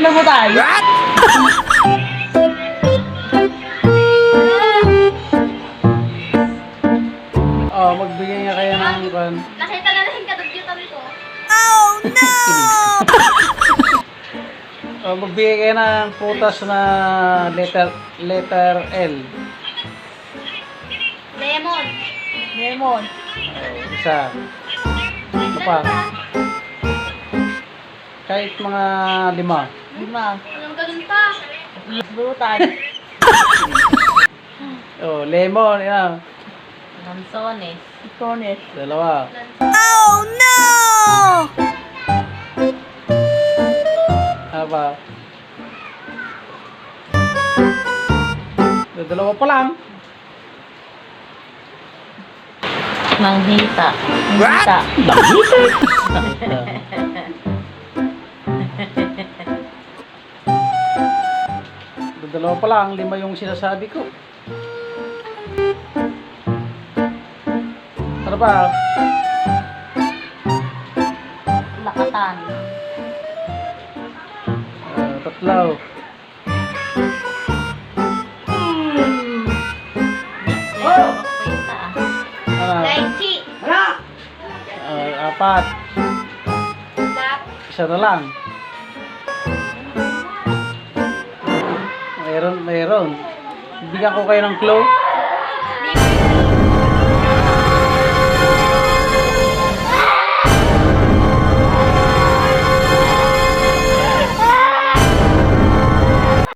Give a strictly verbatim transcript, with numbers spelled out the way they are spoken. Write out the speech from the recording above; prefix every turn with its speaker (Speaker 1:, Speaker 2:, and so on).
Speaker 1: Tatlo mo tayo.
Speaker 2: Oh, magbigay nga kaya ng kan.
Speaker 3: Nakita na rin kadugyutan ko.
Speaker 2: Oh, magbigay kayo ng putas na letter letter L.
Speaker 3: Lemon.
Speaker 1: Lemon.
Speaker 2: Oh, isa. Ano pa? Kahit mga lima.
Speaker 1: Lima.
Speaker 3: Anong ganun pa?
Speaker 1: Burutan.
Speaker 2: Oh, lemon, yan.
Speaker 1: Lansones. Lansones.
Speaker 2: Dalawa. Ano pa? Dalawa pa lang.
Speaker 1: Manghita. Manghita.
Speaker 2: Manghita? Dalawa pa lang, lima yung sinasabi ko. Ano ba?
Speaker 1: Lakatan.
Speaker 2: Uh, tatlo.
Speaker 1: Oh!
Speaker 2: Ano?
Speaker 3: Lychee.
Speaker 2: Uh, apat.
Speaker 3: Lap.
Speaker 2: Isa na lang. Mayroon, mayroon. Bigyan ko kayo ng clue.